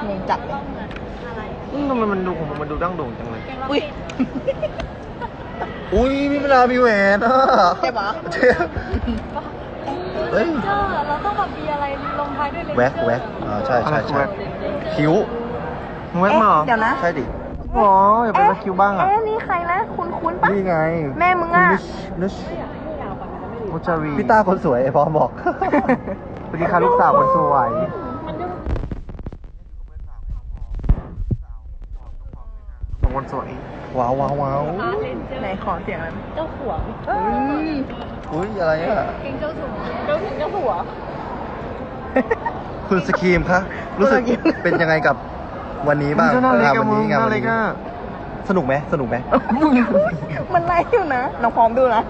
งงจัดเลยทำไมมันดูของมันดูดั้งโด่งจังเลยอุ้ยอุ้ยมีเวลามีแหวนอ่ะใช่ปะเจ๊เฮ้ยเราต้องแบบมีอะไรลงท้ายด้วยเลนเจอร์แว็กใช่ใช่ใช่คิ้วมึงแว็กมาเหรอเดี๋ยวนะใช่ดิอ๋ออย่าไปแว็กคิวบ้างอ่ะนี่ใครนะ คุ้นปะนี่ไงแม่มึงอ่ะนึชมุจารีพี่ต้าคนสวยไอ้พอบอกสวัสดีค่ะลูกสาวคนสวยคนสวยว้าวว้าวว้าวเลนเจอร์ไหนขอเสียงหน่อยเจ้าหัวอุ้ยอะไรอ่ะเก่งเจ้าสัวเจ้าถึงเจ้าหัวคุณสกีมคะรู้สึกเป็นยังไงกับวันนี้บ้างมึงก็น่าเล็กวัอะมึงงานน่าวันเล็กนี้อะสนุกไหมสนุกไหมมันไล่อยู่นะ น้องพร้อมดูนะ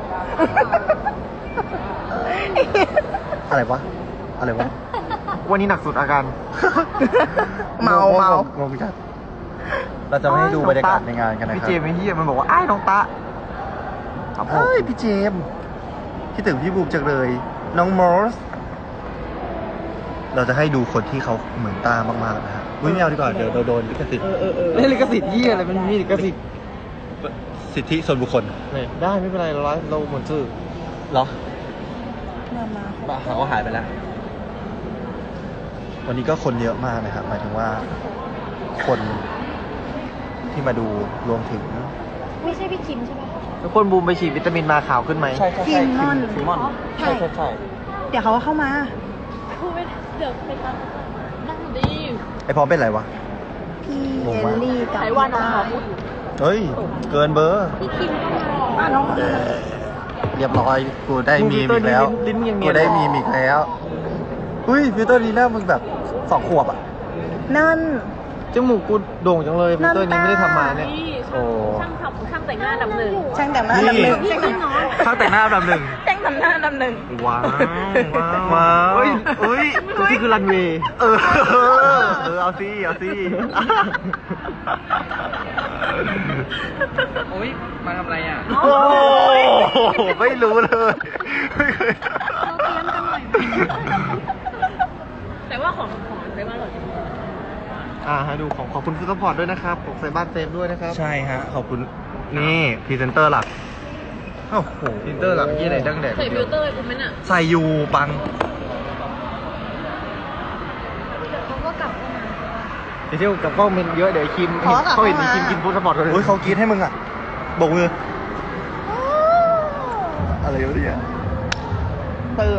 อะไรวะอะไรวะวันนี้หนักสุดอาการเมางงจัดเราจะไม่ให้ดูบรรยากาศในงานกันนะพี่ครับเจมส์ไอ้เหี้ยมันบอกว่าอ้ายน้องตะครับผมเฮ้ยพี่เจมส์คิดถึงพี่บูมจังเลยน้องมอสเราจะให้ดูคนที่เขาเหมือนตามากๆนะฮะอุ้ยไม่เอาดีกว่าเดี๋ยวเราโดนลิขสิทธิ์เล่นลิขสิทธิ์เหี้ยอะไรมันมีลิขสิทธิ์สิทธิส่วนบุคคลเนี่ยได้ไม่เป็นไรเราไลฟ์เราเหมือนชื่อเหรอมาเขาหายไปแล้ว วันนี้ก็คนเยอะมากนะครับหมายถึงว่า คนที่มาดูรวมถึงไม่ใช่พี่คิมใช่ไหมทุกคนบูมไปฉีดวิตามินมาขาวขึ้นไหมคิมมอนคิมมอนใช่เดี๋ยวเขาก็เข้ามาพูดไม่เดี๋ยวไปตามนั่งดีไอพร้อมเป็นไรวะพี่งงเอมากลลี่กับไต้หวันน้องหอมเฮ้ย เกินเบอร์พี่คิมก็มาน้องเรียบร้อย กูได้มีมอีกแล้วลิ้นมึงยังเนีกูยนได้มีมอีกแล้วอุ้ยฟิลเตอร์ลีน่ามึงแบบ2 ขวบอ่ะนั่นจมูกกูโด่งจังเลยฟิลเตอร์นี้ไม่ได้ทำมาเนี่ยนี่โอ้ช่างแต่งหน้าดับหนึ่งช่างแต่งหน้าอันดับหนึ่งนี่คือน้องข้างแต่งหน้าอันดับหนึ่งช่างแต่งหน้าอันดับหนึ่งว้าวว้าวเฮ้ยเฮ้ยทุกที่คือรันเวย์เอาสิเอาสิโอ้ยมาทำอะไรอ่ะโอ้โหไม่รู้เลยไม่เคยเราเตรียมกันหน่อยแต่ว่าของไต้หวันหรอให้ดูของขอบคุณฟู้ดซัพพอร์ตด้วยนะครับของใส่บ้านเซฟด้วยนะครับใช่ฮะ ขอบคุณนี่พรีเซนเตอร์หลักโอ้โหพรีเซนเตอร์หลักยี่ไหนดังแดดใส่ฟิลเตอร์กูไหมน่ะใส่อยู่ปังเขาก็กลับเข้ามาเดี๋ยวเที่ยวกับกล้องมันเยอะเดี๋ยวคิมเขาเห็นคิมกินฟู้ดซัพพอร์ตกันเลยอุ้ยเขากรีดให้มึงอ่ะโบกมือ อะไรวะเนี่ยเติม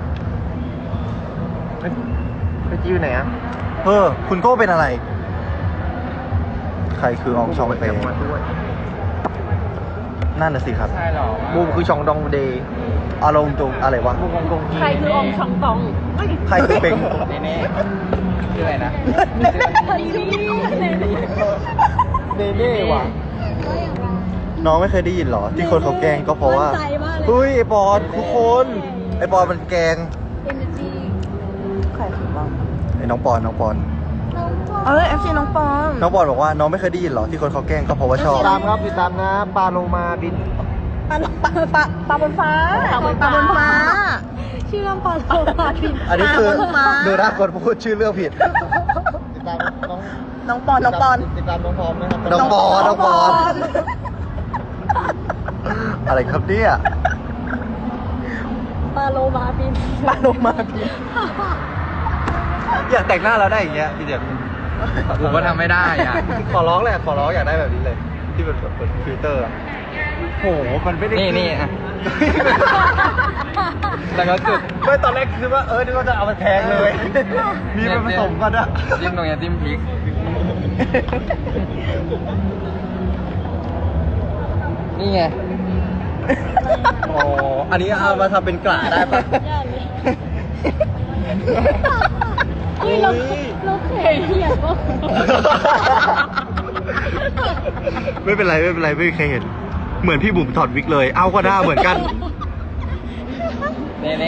ไปจิ้วไหนอ่ะคุณโก้เป็นอะไร ใครคืออองชองเปมาด้วยนั่นน่ะสิครับใช่หรอบูมคือชองดองเดย์อารมณ์ตรงอะไรวะบูมกงกีใครคือองชองตองใครคือเป็งเน่ชื่ออะไรนะเนเน่ว่ะน้องไม่เคยได้ยินเหรอ ที่คนเขาแกล้งก็เพราะว่าเฮ้ยไอปอนทุกคนไอปอนมันแกล้งใครคือบ้างไอน้องปอน FC น้องปอนน้องปอนบอกว่าน้องไม่เคยได้ยินเหรอที่คนเขาแกล้งก็เพราะว่าชอบติดตามครับติดตามนะปลาโลมาบินปลาบนฟ้าปลาบนฟ้าชื่อเรื่องปลาโลมาบินอันนี้คือปลาบนฟ้าดูหน้าคนพูดชื่อเรื่องผิดติดตามน้องน้องปอนติดตามน้องพร้อมนะครับน้องปอน อะไรครับเนี่ยปลาโลมาบินปลาโลมาพี่อยากแต่งหน้าเราได้อย่างเงี้ยพี่เดียผมก็ทำไม่ได้อ่ะขอร้องแหละขอร้องอยากได้แบบนี้เลย ที่เป็นแบบฟิลเตอร์อะโหมันไม่ได้นี่อ่ะ แล้วก็จุดไม่ตอนแรกคือว่านึกว่าจะเอาไปแพงเลย มีมันผสมกันอะจิ้มตรงนี้จิ้มพริก นี่ไงอ๋ออันนี้เอามาทำเป็นกระได้ปะเฮ้ยเราเคยเห็นว่าไม่เป็นไรไม่เคยเห็น เหมือนพี่บุ๋มถอดวิกเลย เอาก็ได้เหมือนกันเน่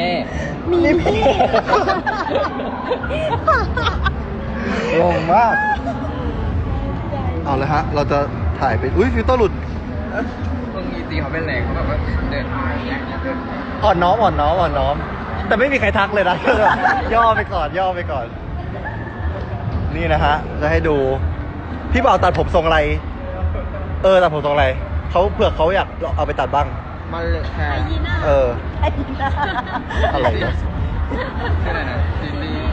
งงมาก เอาเลยฮะ เราจะถ่ายเป็นอุ้ยฟิลเตอร์หลุดบางทีตีเขาเป็นแรงเขาแบบว่าเดินอ่อนน้อม แต่ไม่มีใครทักเลยนะ ย่อไปก่อนนนี่นะฮะ จะให้ดู พี่บ่าวตัดผมทรงอะไร ตัดผมทรงอะไร เขาเผื่อเขาอยากเอาไปตัดบ้างมันเลยแค่อะไรเนี่ยชื่ออะไรนะซีรีส์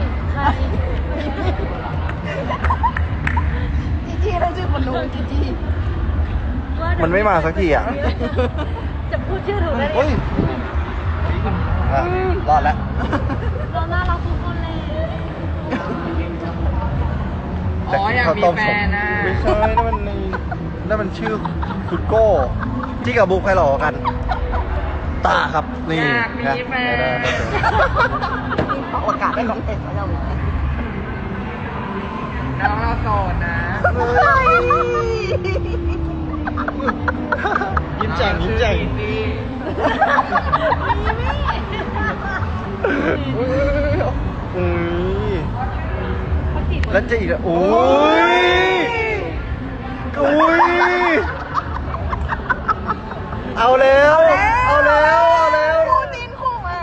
จีแล้วชื่อคนนู้นจีมันไม่มาสักทีอ่ะจะพูดชื่อถูกได้เฮ้ยอ่ะรอดแล้วเราน่ารักทุกคนเลยอ๋ออยากมีแฟนนะไม่ใช่นั่นมันชื่อคุณโก้จี้กับบุ๊กใครหล่อกัน ตาครับ นี่อยากมีแฟนได้โอกาสได้ของเอ็ดเราน้องเราโสดนะยิ้มแจ่งยิ้มแจ่งอุ้ยแล้วจะอีกอ่ะอุ้ยอุ้ยเอาแล้วเอาแล้วเอาแล้วคู่จิ้นคู่มา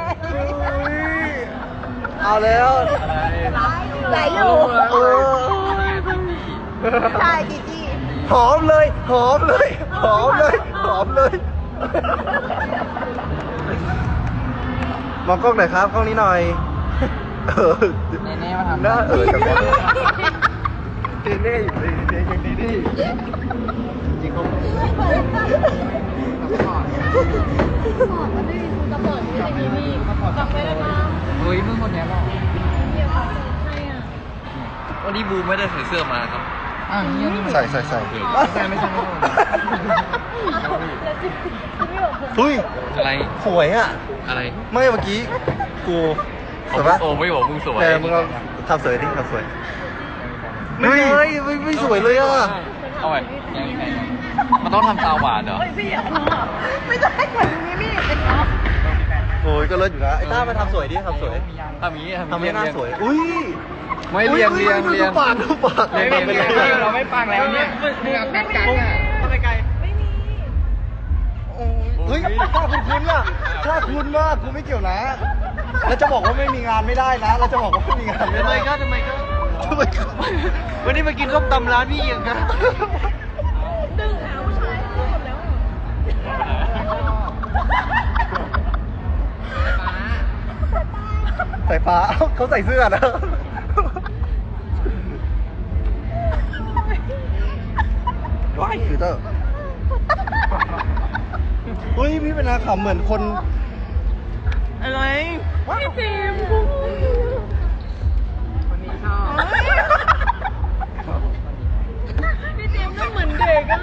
เอาแล้วไหลอยู่เออใช่จีหอมเลยหอมเลยหอมเลยหอมเลยมองกล้องหน่อยครับกล้องนี้หน่อยเน่ๆมาทำหน้าจังวะเน่อยู่เลยเน่ยังดีดีจริงเขาบอกว่าไม่มีคุณจะเปิดไม่ได้มีนี่ฟังไม่ได้มาเฮ้ยเพิ่งคนนี้บอกเดี๋ยวเขาใช่อ่ะวันนี้บูไม่ได้ใส่เสื้อมาครับอ้าวนี่ยังไม่ใส่ไม่ใช่เฮ้ยอะไรสวยอ่ะอะไรไม่เมื่อกี้กูสวยปะโอ้ไม่บอกมึงสวยแต่มึงเราทำสวยดิทำสวยไม่เลยไม่สวยเลยอ่ะเอาไว้มันต้องทำตาหวานเหรอไม่ใช่เหมือนมิมี่เป็นเนาะโอ้ยก็เลิศอยู่นะไอ้ต้ามาทำสวยดิทำสวยทำอย่างนี้ทำให้หน้าสวยอุ้ยไม่เรียงดูปากดูปากเราไม่ปังแล้วเนี่ยเรากักอ่ะไปไกลเฮ้ยถ้าคุณคุ้นอ่ะถ้าคุ้นมากกูไม่เกี่ยวนะแล้วจะบอกว่าไม่มีงานไม่ได้นะเราจะบอกว่าไม่มีงานไม่ได้ทำไมก็วันนี้มากินข้าวตำร้านพี่เอียงกันดึงหาผู้ชายหมดแล้วสายฟ้าเขาใส่เสื้อนะว้ายคือเตอร์เฮ้ยพี่เป็นอาขำเหมือนคนอะไรพี่เจมส์คนนี้ชอบพี่เจมส์นั่งเหมือนเด็กอ่ะ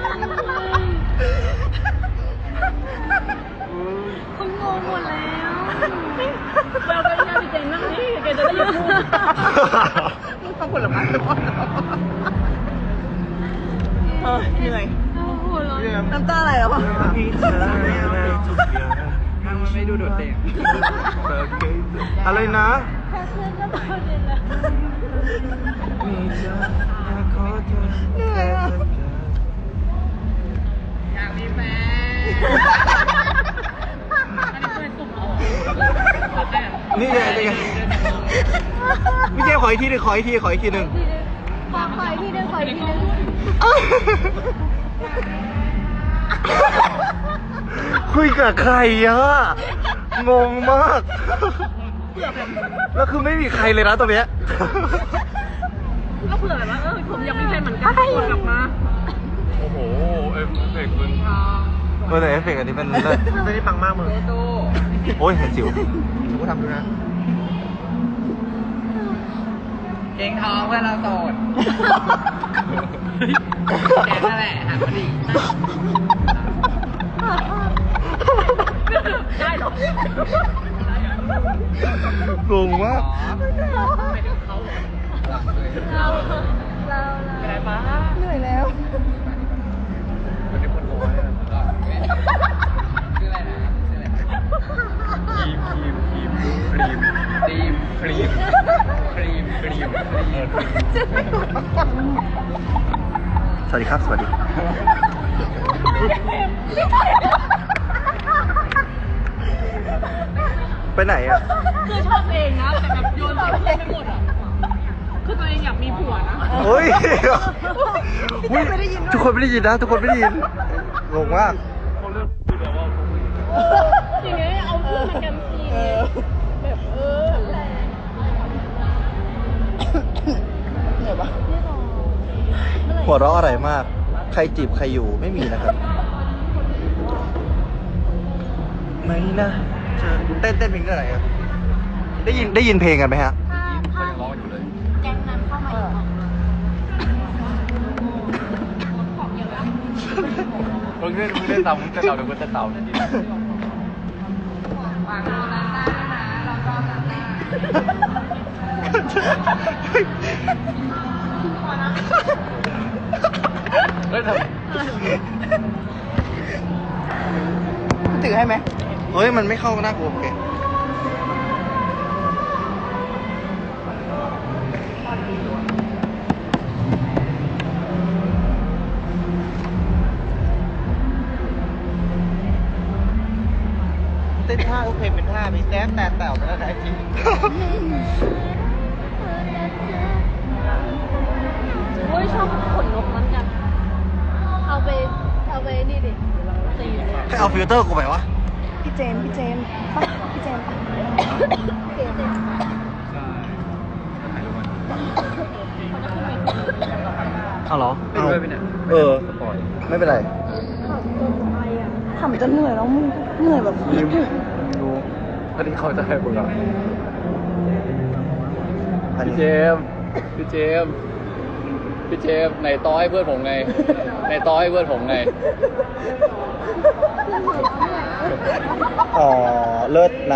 เขางงหมดแล้วเราไปงานพี่เจมส์นั่งนี่แกจะได้ยินพูดต้องผลไม้ทุกคนเหนื่อยโอ้โหร้อนน้ำตาไหลแล้วป่ะไม่ดูโดดเด่นอะไรนะแค่เพื่อนก็ตอนเย็นแล้วเหนื่อยอ่ะอยากมีแฟนนี่ไงนี่ไงพี่เจขออีกทีหนึ่งขออีกทีขออีกทีหนึ่งขออีกทีนึงขออีกทีนึงคุยกับใครอะงงมาก แล้วคือไม่มีใครเลยนะตรงเนี้ยก็เผื่อแบบว่าผมยังมีแฟนเหมือนกันวนกลับมาโอ้โหเอฟเฟกต์มึงแต่เอฟเฟกต์อันนี้เป็นไม่ได้ปังมากมึงโอ้ยเห็นสิวกูทำดูนะเก่งท้องเพื่อนเราโสดแกนั่นแหละหันมาดิได้หรองงมากเราอะไรปะเหนื่อยแล้ววันนี้คนน้อยอะชื่ออะไรนะชื่ออะไรนะทีมครีมสวัสดีครับ สวัสดี ไปไหนอ่ะคือชอบเองนะแต่แบบโยนใส่เพื่อนไม่หมดอ่ะคือตัวเองอยากมีผัวนะเฮ้ยทุกคนไม่ได้ยินนะ ทุกคนไม่ได้ยินงงมากทีนี้เอาเพื่อนมากันซีแบบแรงเหนื่อยปะหัวเราะอะไรมาก ใครจีบใครอยู่ไม่มีนะครับ ไม่นะเต้นเพลงอะไรครับได้ยินเพลงกันไหมฮะเขายังร้องอยู่เลยแก๊งนั้นเข้ามาอีกมึงเล่นเต่าเดี๋ยวกูจะเต่า เฮ้ยทำถือให้ไหมเฮ้ย มันไม่เข้าหน้ากูโอเคเต้นท่าโอเคเป็นท่ามีแซฟแต่แต๋วไปแล้วนะจริงโอ้ยชอบขนนกมันกัน เอาไปนี่ดิตีเลยให้เอาฟิลเตอร์กูไปวะพี่เจมส์ปะพี่เจมส์ปะเอาเหรอไม่ด้วยไปเนี่ยเออ ไม่เป็นไรทำจนเหนื่อยแล้วมึงเหนื่อยแบบดูอันนี้เขาจะให้มึงอ่ะอันพี่นี้เจมส์ไหนต้อให้เพื่อนผมไงไหนต้อให้เพื่อนผมไงอ๋อ เลิศนะ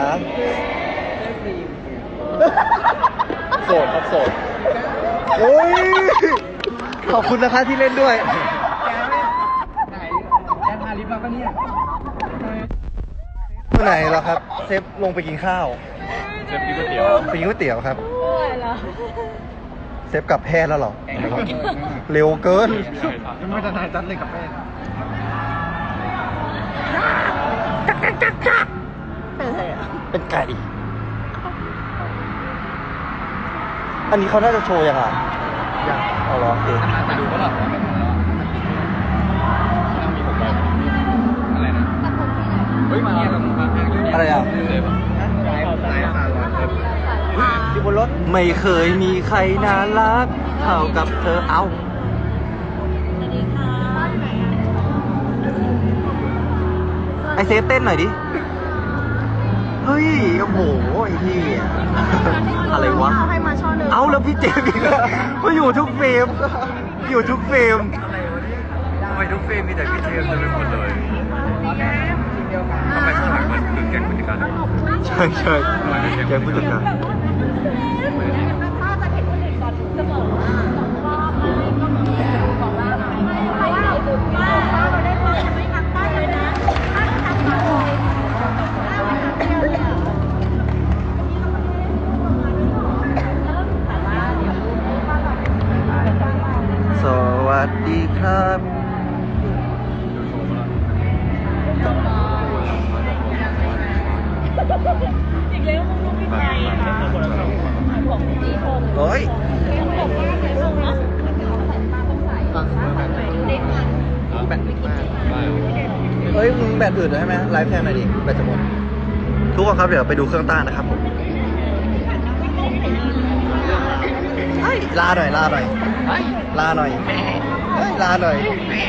โสดครับโสดโอ้ย ขอบคุณนะคะที่เล่นด้วยไหนแกทาลิปมาปะเนี่ยเมื่อไหร่แล้วครับ เซฟลงไปกินข้าวเจมส์กินก๋วยเตี๋ยวไปกินก๋วยเตี๋ยวครับโอ้ยเหรอเซฟกลับแพทย์แล้วเหรอ เร็วเกินไม่ทันายจัดเลยกับแม่เป็นอะไรอ่ะเป็นไก่ อันนี้เขาน่าจะโชว์ยังไงยังเอาเหรอโอเคไปดูก็หลับไม่ทันแล้วมีผมไปอะไรนะเฮ้ยมาเนี่ยมาแพงอยู่อะไรอ่ะเลยปะไลฟ์มาร้อยเลยอยู่บนรถ ไม่เคยมีใครน่ารักเท่ากับเธอเอา ไอเซฟเต้นหน่อยดิ เฮ้ย โอ้โห ไอ้ที่อะไรวะให้มาช่อหนึ่งเอาแล้วพี่เจมส์อีกแล้วมาอยู่ทุกเฟรม อยู่ทุกเฟรมทำไมทุกเฟรมมีแต่พี่เจมส์เต็มไปหมดเลยทำไมข้างหลังมันคือแก๊งผู้จัดการใช่ใช่แกผู้จัดการจะบอกว่าก็มีบอกว่าไม่ได้บุญว่าเราได้ความจะไม่ทำป้าเลยนะถ้าทำมาเลยถ้าไม่ทำเดียวเลยอ่ะแต่ว่าเดี๋ยวว่าเราสวัสดีครับอีกแล้วมึงลูกพี่ไทยของจีโฮมเฮ้ยบอกว่าใส่ส่งเนาะเด็กแบตอึดมากเฮ้ย มึงแบตอึดใช่ไหมไลฟ์แทนหน่อยดิ แบตจะหมด ทุกคนครับ เดี๋ยวไปดูเครื่องต้านนะครับผมลาหน่อย ลาหน่อย ลาหน่อย ลาหน่อย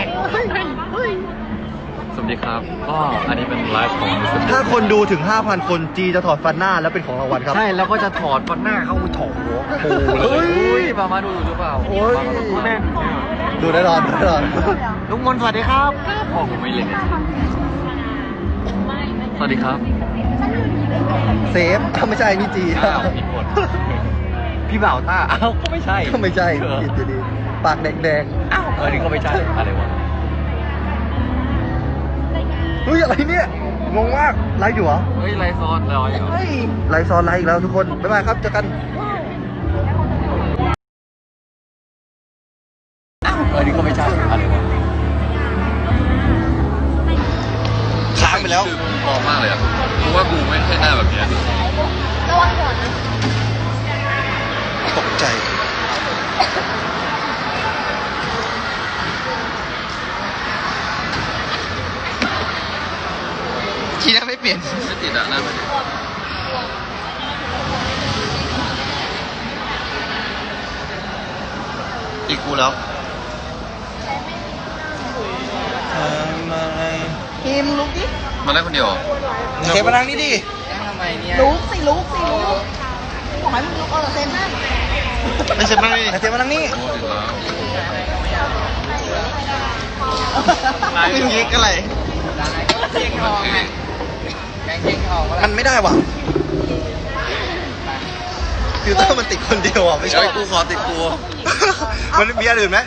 สวัสดีครับ ก็อันนี้เป็นไลฟ์ของถ้าคนดูถึง 5,000 คนจีจะถอดฟันหน้าแล้วเป็นของรางวัลครับใช่แล้วก็จะถอดฟันหน้าเข้าถอดหัวปูเลยอุ้ยมาดูหรือเปล่าโอ้ยแม่นดูแน่นอนดูแน่นอนลุงมนสวัสดีครับพ่อผมไม่เล่นสวัสดีครับเซฟถ้าไม่ใช่นี่จีอ้าวผิดหมดพี่บ่าวต้าอ้าวก็ไม่ใช่ก็ไม่ใช่ผิดอยู่ดีปากแดงอ้าวนี่ก็ไม่ใช่อะไรวะๆเฮ้ย อะไรเนี่ย งงมาก ไลฟ์อยู่เหรอเฮ้ยไรซอนลอยเหรอไลฟ์ซ้อนไลฟ์อีกแล้วทุกคน บ๊ายบายครับ เจอกันนี่ก็ไม่ใช่อะไรวะค้างไปแล้วมองมากเลยอ่ะเพราะว่ากูไม่ใช่หน้าแบบนี้ระวังก่อนนะตกใจห็นไม่ติดอ่ะหน้าไม่ติดติดกูแล้วทีมลุกดิมาได้คนเดียวเทปมานั่งนี่ดิลุกสิลุกบอกให้มึงลุกเซ็นนั่นไม่ใช่มานั่งนี่เทปมานั่งนี่โอ้ติดแล้วเป็นยิกอะไร มันไม่ได้ว่ะฟิลเตอร์มันติดคนเดียวอ่ะไม่ใช่กูขอติดกูมันมีอันอื่นไหม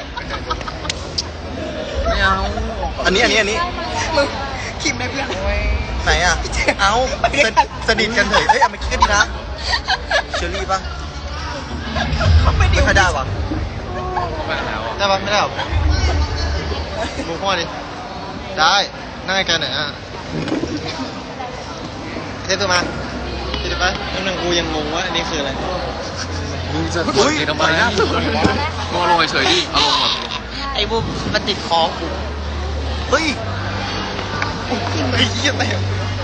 ไม่เอาอันนี้มึงคิมได้เพื่อนไหนอ่ะเอาสนิทกันเถอะเฮ้ยเอามาคิดกันดีนะเชอรี่ป่ะไม่ค่อยได้ว่ะไปแล้วได้ป่ะไม่ได้หรอมึงพ่อดิได้นั่งไกลๆหน่อยอ่ะเทปตัวมาคิดไปนั่นกูยังงงว่าอันนี้คืออะไรมึงจะกดติดทำไมนะมึงเอาลงเฉยๆดิเอาลงก่อนไอ้บุมมันติดคอกูเฮ้ยไอ้เหี้ยเต็ม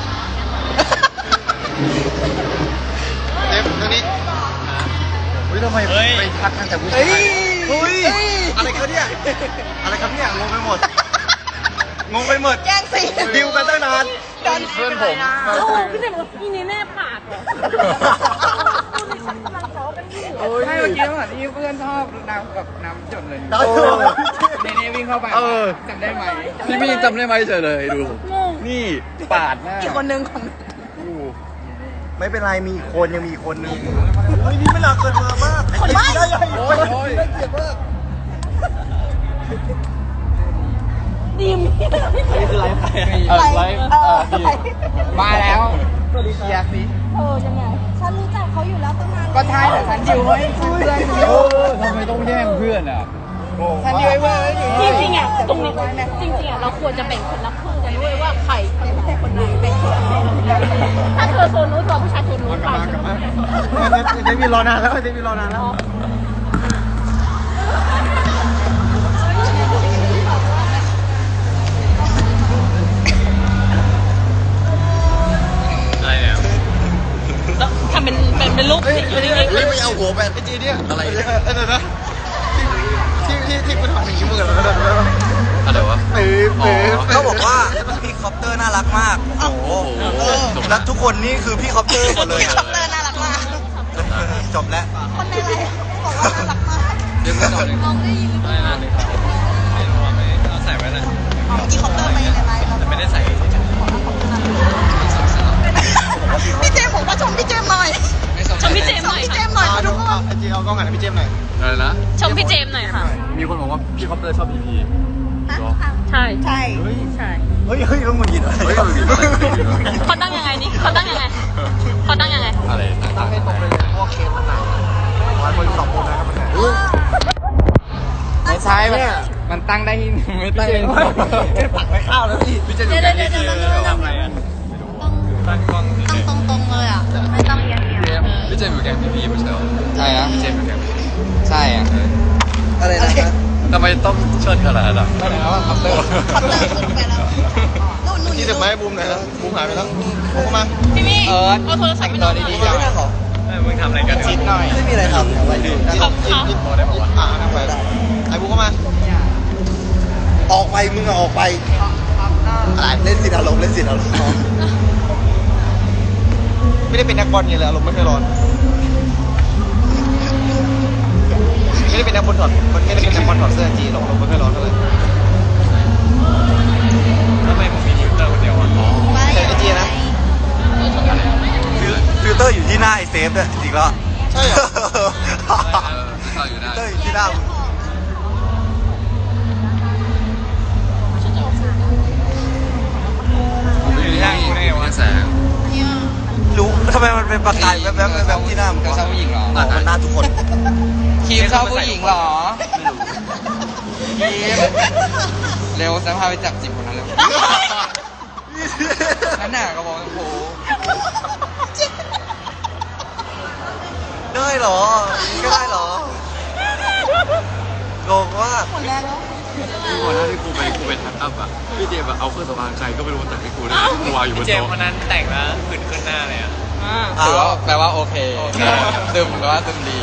เต็มตรงนี้เฮ้ยทำไมไปทักกันแต่ผู้ชายเฮ้ยอะไรครับเนี่ยอะไรครับเนี่ยงงไปหมดแย่งสิดิวกันตั้งนานเพื่อนผมโอ้พี่เจมส์อีนี่แน่ปากเหรอพูดในชั้นกำลังซ้อกันอยู่ใช่เมื่อกี้เหมือนที่เพื่อนชอบน้ำกับน้ำหยดเลยดาวโชว์เนวิ่งเข้าไปจำได้ไหมพี่พี่จำได้ไหมเฉยเลยดูงงนี่ปาดหน้าอีกคนนึงของไม่เป็นไรมีอีกคนยังมีอีกคนนึงเฮ้ยนี่ไม่หนักเกินมามากคนบ้าได้ยังโอ้ยเจ็บมากดีมนี่คือไลฟ์ใครไลฟ์มาแล้วเคลียร์สิยังไงฉันรู้จักเขาอยู่แล้วตั้งนานก็ท้ายแต่ฉันดิวให้เพื่อนทำไมต้องแย่งเพื่อนอ่ะฉันดิวให้เพื่อนไว้อยู่จริงๆอ่ะตรงนี้จริงๆอ่ะเราควรจะแบ่งคนละครึ่งกันด้วยว่าใครคนไหนเป็นคนถ้าเธอโซนนู้นตัวผู้ชายโซนนู้นไปเดวิดรอนานแล้วเดวิดรอนานแล้วอะไรเนี่ยทำเป็นรูปสิอยู่นิ่งเฮ้ยไม่เอาหัวแบนไอ้จีเนี่ยอะไรเนี่ยเดี๋ยวนะที่กูทำอย่างนี้มึงกันแล้วอะไรวะเขาบอกว่าพี่คอปเตอร์น่ารักมากโอ้โหแล้วทุกคนนี่คือพี่คอปเตอร์หมดเลยคอปเตอร์น่ารักมากจบแล้วคนในไลฟ์บอกว่าน่ารักมากเดี๋ยวไม่ต่อเลยน้องได้ยินอะไรนะเอาใส่ไว้เลยที่คอปเตอร์ไปในไลฟ์เราไม่ได้ใส่พี่เจมส์บอกว่าชมพี่เจมส์หน่อยชมพี่เจมส์หน่อยพี่เจมส์หน่อยค่ะทุกคนไอจีเอากล้องหันให้พี่เจมหน่อยอะไรนะชมพี่เจมส์หน่อยค่ะมีคนบอกว่าพี่คอปเตอร์ชอบพีพีใช่ใช่เฮ้ยต้องมึงหยิบอะไรเขาตั้งยังไงนี่เขาตั้งยังไงเขาตั้งยังไงอะไรตั้งให้ตรงเลยพวกเคสมันหนักวันคนสองคนนะครับมันหนักไม่ใช่มันตั้งได้ที่ไม่ตั้งได้ที่ปักไม่เข้าแล้วพี่พี่จะอยู่กันนี่คือทำอะไรอ่ะตั้งกล้องตรงเลยอ่ะไม่ต้องเอียงพี่เจมส์อยู่แกงพีพีไม่ใช่เหรอใช่นะพี่เจมส์อยู่แกงพีพีใช่อ่ะอะไรนะครับทำไมต้องเชิดขนาดนั้นอ่ะคอปเตอร์คอปเตอร์ขึ้นไปแล้วนู่นที่เด็กไม้บูมไหนแล้วบูมหายไปแล้วบูมเข้ามาพี่มี่เออเอาโทรศัพท์ไปนอนดีไม่ได้หรอมึงทำอะไรกันชิดหน่อยไม่มีอะไรทำไปดื่มนั่งไปไอ้บูมเข้ามาออกไปมึงออกไปเล่นสิอารมณ์เล่นสิอารมณ์ไม่ได้เป็นนักบอลไงเลยอารมณ์ไม่เคยร้อนไม่ได้เป็นนักบอลถอดมันไม่ได้เป็นนักบอลถอดเสื้อจีหรอกอารมณ์ไม่เคยร้อนเท่าไหร่ทำไมผมมีฟิลเตอร์คนเดียวอ่ะใช่ไอจีนะฟิลเตอร์อยู่ที่หน้าไอเซฟด้วยจริงๆแล้วใช่เหรอต่ออยู่ได้ฟิลเตอร์อยู่ที่หน้ามึงผมอยู่ที่นี่ว่าแสงรู้ทำไมมันเป็นประกายแวบๆที่หน้ามึงชอบผู้หญิงเหรอมันหน้าทุกคนคิมชอบผู้หญิงเหรอคิมเร็วจะพาไปจับจิบคนนั้นเร็วนั่นน่ะกระบอกโอ้โหได้เหรอก็ได้เหรองงว่าหมดแล้วก่อนหน้าที่กูไปทักอัพอ่ะพี่เจมส์เอาเครื่องสำอางใครก็ไม่รู้แต่งให้กูนะกูวางอยู่บนเจมโต๊ะวันนั้นแต่งแล้วผื่นขึ้นหน้าเลยอ่ะถือว่าแปลว่าโอเคซึมแปลว่าซึมดี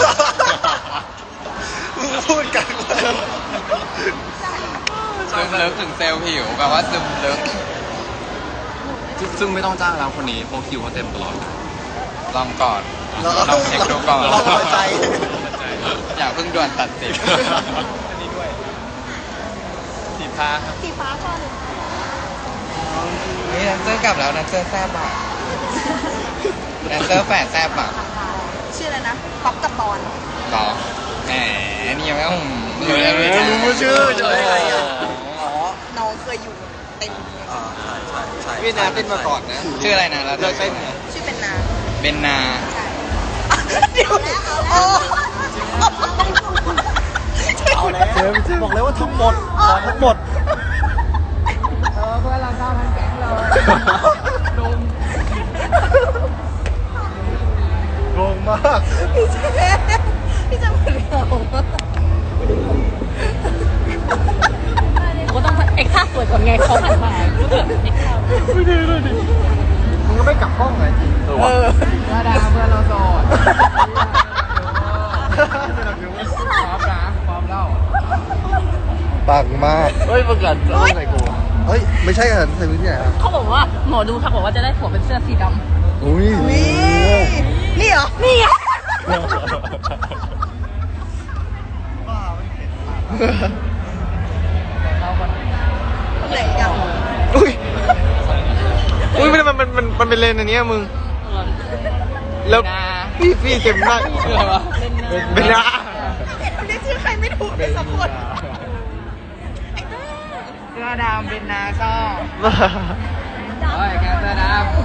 มึงพูดกันว่าซึมลึกถึงเซลล์ผิวแปลว่าซึมลึกซึ่งไม่ต้องจ้างแล้วคนนี้เพราะคิวเขาเต็มตลอดลองก่อนลองเช็คดูก่อนลองหัวใจอย่าเพิ่งด่วนตัดสินอันนี้ด้วยสีฟ้าครับสีฟ้าก่อนนี่แดนเซอร์กลับแล้วแดนเซอร์แซ่บอ่ะแดนเซอร์แฝดแซ่บอ่ะชื่ออะไรนะป๊อปกับปอนหรอแหมนี่ยังไม่ต้องรู้ชื่อจะได้ไงอ่ะอ๋อน้องเคยอยู่เต็มใช่พี่นาเต้นมาก่อนนะชื่ออะไรนะแล้วเลิกเต้นไงชื่อเป็นนาเบนนาใช่เดี๋ยวโอ้เอาแล้วบอกเลยว่าทั้งหมดทั้งหมดเพื่อนเราเข้าทั้งแก๊งเลยงงมากพี่จะเหมือนเราก็ต้องเอ็กซ์ท่าสวยก่อนไงเขาหันมารู้สึกเอ็กซ์ท่ามึงก็ไม่กลับห้องไงจริงว่าดาเพื่อนเราโสดพร้อมนะพร้อมเล่าปังมากเฮ้ยประกาศจะเอาไหนกูเฮ้ย ไม่ใช่กันใส่พื้นที่ไหนครับเขาบอกว่าหมอดูทักบอกว่าจะได้ผัวเป็นเสื้อสีดำอุ้ยนี่เหรอนี่ไงไหนกันอุ้ยอุ้ยมันเป็นเลนอันเนี้ยมึง แล้วพี่เจ็บมากชื่ออะไรวะเป็นนาเรียกชื่อใครไม่ถูกเลยสักคนเสื้อดำเบนนาก็เฮ้ยแกเสื้อดำ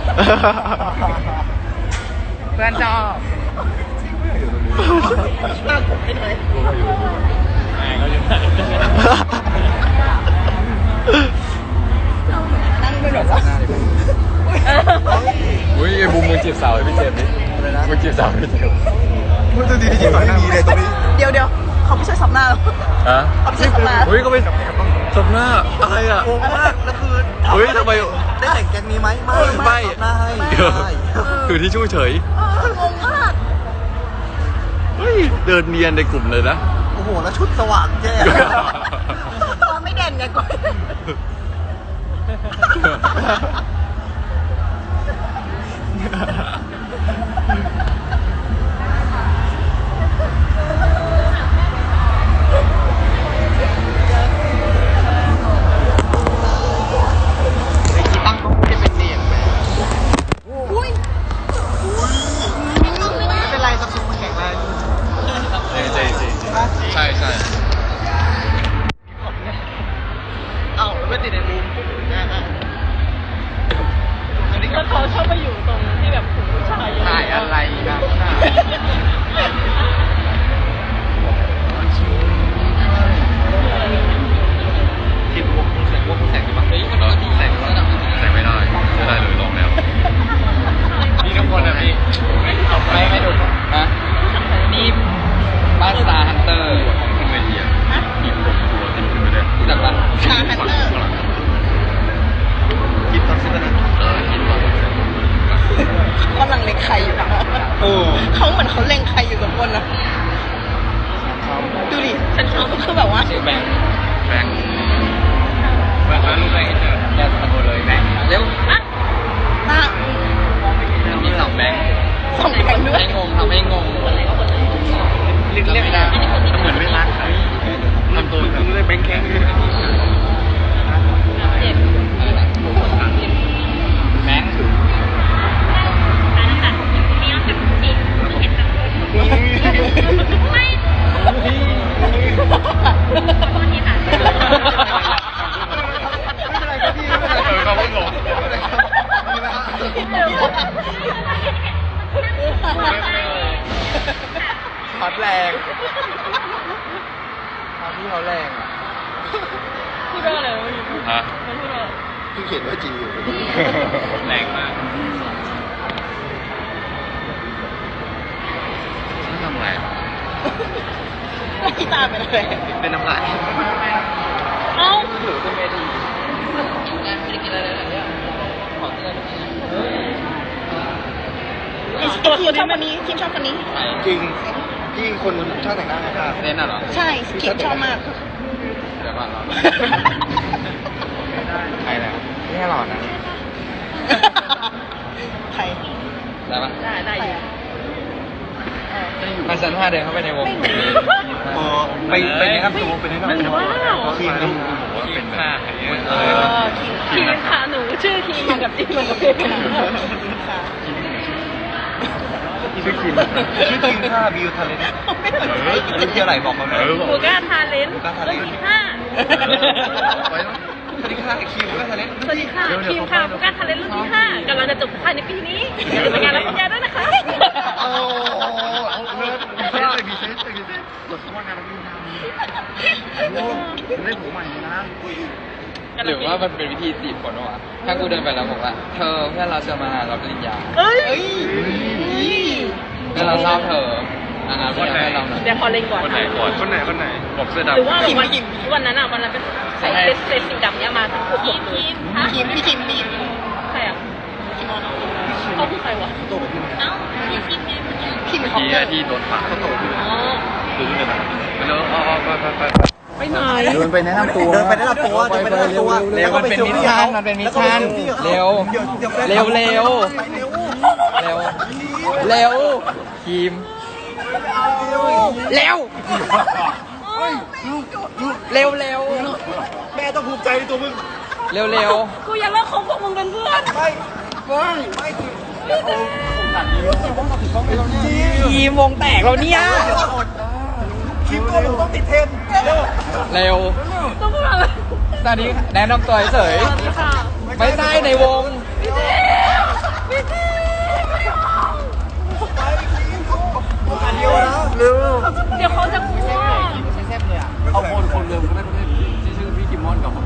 เพื่อนชอบมากผมไปเลยนั่งเป็นแบบว่าอุ้ยไอ้บูมมึงจีบสาวไอ้พี่เจมส์ดิมึงจีบสาวพี่เจมส์พูดตัวดีจริงๆไม่มีเลยตรงนี้เดี๋ยวเขาไม่ใช่สับหน้าหรอฮะเขาไม่ใช่สับหน้าอุ้ยก็ไม่สมหน้าอะไรอ่ะงงมากแล้วคือเฮ้ยทำไมได้แต่งแก๊งนี้ไหมไม่ไม่หน้าให้เดี๋ยวคือที่ช่วยเฉยงงมากเฮ้ยเดินเนียนในกลุ่มเลยนะโอ้โห แล้วชุดสว่างแจ้ตอนไม่เด่นไงก่อนตั้งก็ไม่เป็นเนียนอุ้ยไม่เป็นไรซัมซุงมันแข็งแรงใช่ใช่เอ้าไม่ติดในมุมแล้วเขาชอบไปอยู่ตรงที่แบบผู้ชายถ่ายอะไรนะคิดว่าคุณแสงดีป่ะเฮ้ยมันแสงไม่ได้เลยลองแล้วพี่ทุกคนนะพี่ไม่ดูนะนี่บ้านสตาร์ฮันเตอร์ขึ้นเวทีอ่ะทีมผมตัวทีมขึ้นไปเลยจากบ้านชาฮันเตอร์คิดตอนซื้อนะคิดว่าเขากำลังเล็งใครอยู่นะเขาเหมือนเขาเล็งใครอยู่กับคนนะดูดิฉันชอบคือแบบว่าชื่อแบงค์แบงค์แล้วลูกแบงค์เจอแกตะโกนเลยแบงค์เร็วตามีสองแบงค์ส่งแข่งด้วยให้งงทำให้งงเรียกได้เหมือนไม่รักใครทำตัวคือได้แบงค์แข็งแบงค์เขาไม่งงฮอตแรงพี่เขาแรงอ่ะพูดว่าอะไรวะฮะมันพูดว่าเพิ่งเขียนว่าจีอยู่แรงมากทำอะไรไม่กินตาเป็นอะไรเป็นน้ำลายเอ้าถือขึ้นเวทีไม่ได้กินอะไรเลยเนี่ยขอเตือนทีมชอบคนนี้ทีมชอบคนนี้จริงที่คนช่างแต่งหน้านะครับเล่นน่ะเหรอใช่ทีมชอบมากเดี๋ยวก่อนรอใครเนี่ยไม่ให้หลอดนะใครได้ปะได้อยู่มาชั้น5เดินเข้าไปในวงไปแนะนำตัวไปแนะนำตัวว้าวทีมนี้เป็นผ้าอย่างเงี้ยทีมค่ะหนูชื่อทีมมันกับทีมมันกับทีมค่ะชื่อทีมค่าบิวทะเลนรุ่นที่อะไรบอกมาเลยบูก้าทาเลนต์รุ่นที่5 สวัสดีค่ะคิมก็ทะเลนสวัสดีค่ะทีมค่ะบูก้าทาเลนต์รุ่นที่5กำลังจะจบภายในปีนี้อย่าลืมไปงานรับปริญญาด้วยนะคะโอ้เลิศมีเซนส์บทสมัครงานเราได้ผมใหม่นะหรือว่ามันเป็นวิธีจีบคนวะถ้ากูเดินไปแล้วบอกว่าเธอเพื่อนเราจะมารับปริญญาเอ้ยเพื่อนเราชอบเธออันนั้นเพื่อนเราหน่อยเดี๋ยวขอเล็งก่อนคนไหนก่อนคนไหนบอกเสื้อดำหรือว่าวันนั้นอ่ะวันนั้นเป็นใส่เซตสีดำเนี้ยมาทั้งคู่ทีมพี่ทีมใครอ่ะเขาคือใครวะเอ้าพี่ทีมไงทีมเมื่อเขากี้ที่โดนปากอ๋อไปเลยไปไปไหนเดินไปแนะนำตัวเดินไปแนะนำตัวเดินไปแนะนำตัวเร็วมันเป็นมิชชั่นมันเป็นมิชชั่นเร็วเร็วเร็วเร็วเร็วทีมเร็วเร็วเร็วแม่ต้องภูมิใจในตัวมึงเร็วเร็วกูอยากเลิกคบพวกมึงเป็นเพื่อนทีมวงแตกแล้วเนี่ยคลิปตัวหนูต้องติดเทรนด์เร็วเร็วต้องพูดอะไรตอนนี้แนะนำตัวเฉยสวัสดีค่ะไม่ใช่ในวงพี่ทีอันเดียวนะเร็วเดี๋ยวเขาจะกลัวเอาคนเร็วก็ได้ชื่อพี่กิมมอนกับผม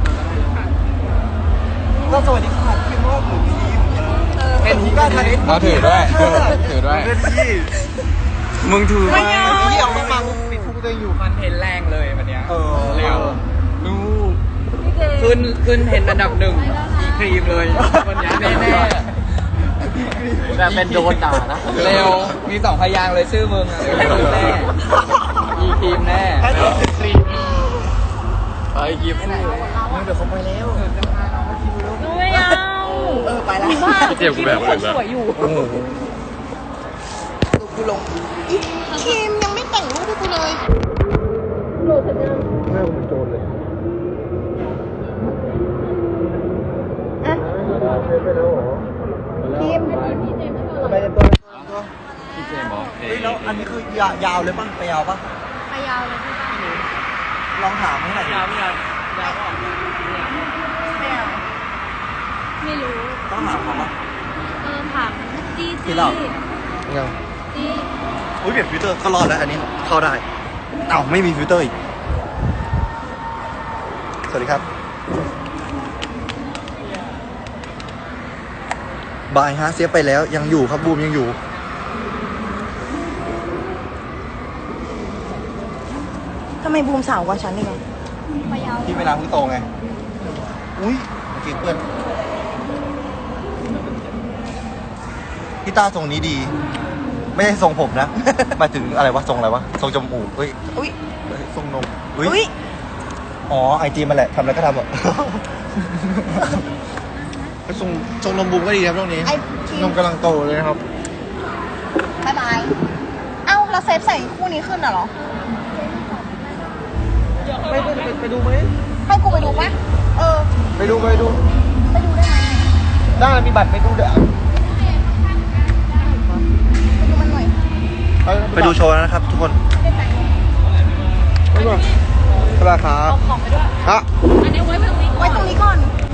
ก็สวัสดีค่ะพี่กิมมอนหนูทีมเป็นหูก้าทะเลนเราถือด้วยถือด้วยมึงถือไม่เอาที่เอามาฟังปิดพุงตัวเองอยู่มันเทนแรงเลยวันเนี้ยเร็วขึ้นเทนอันดับ1อีครีมเลยวันนี้แน่ๆแต่เป็นโดนด่านะเร็ว มี2 พยางค์เลยชื่อมึงอะเร็วแน่อีครีมแน่แค่ตัวครีมไอ้ครีมเดี๋ยวเขาไปแล้วหนูไม่เอาไปแล้วเจ็บกูแบบอื่นละสวยอยู่คิมยังไม่แต่งรูปให้กูเลยโหลดเสร็จยังแม่ผมเป็นโจรเลยไปแล้วเหรอคิมไปในตัวพี่เจมบอกเฮ้ยแล้วอันนี้คือยาวเลยป่ะไปยาวป่ะไปยาวเลยพี่ลองถามให้หน่อยยาวไม่ยาวไม่รู้ต้องถามเขาป่ะถามจี้พี่เรายังจี้อุ้ยเปลี่ยนฟิลเตอร์ก็รอดแล้วอันนี้เข้าได้เอ้าไม่มีฟิลเตอร์อีกสวัสดีครับบายฮะเสียไปแล้วยังอยู่ครับบูมยังอยู่ทำไมบูมสาวกว่าฉันอีกอ่ะไปยาวพี่เวลาเพิ่งโตไงอุ้ยเมื่อกี้เพื่อนพี่ตาทรงนี้ดี ไม่ใช่ทรงผมนะ หมายถึงอะไรวะทรงอะไรวะทรงจมูกเฮ้ยอุ้ยทรงนมอุ้ยอ๋อไอจีมันแหละทำอะไรก็ทำอ่ะ ทรงนมบูมก็ดีครับตรงนี้ไอ้คิมนมกำลังโตเลยนะครับบายบายเอ้าเราเซฟใส่คู่นี้ขึ้นเหรอไปดูไหมให้กูไปดูปะไปดูไปดูได้ไหมได้มีบัตรไปดูเดี๋ยวไปดูมันหน่อยไปดูโชว์นะครับทุกคนไปก่อนสวัสดีครับเอาของไปด้วยฮะอันนี้ไว้ตรงนี้ไว้ตรงนี้ก่อน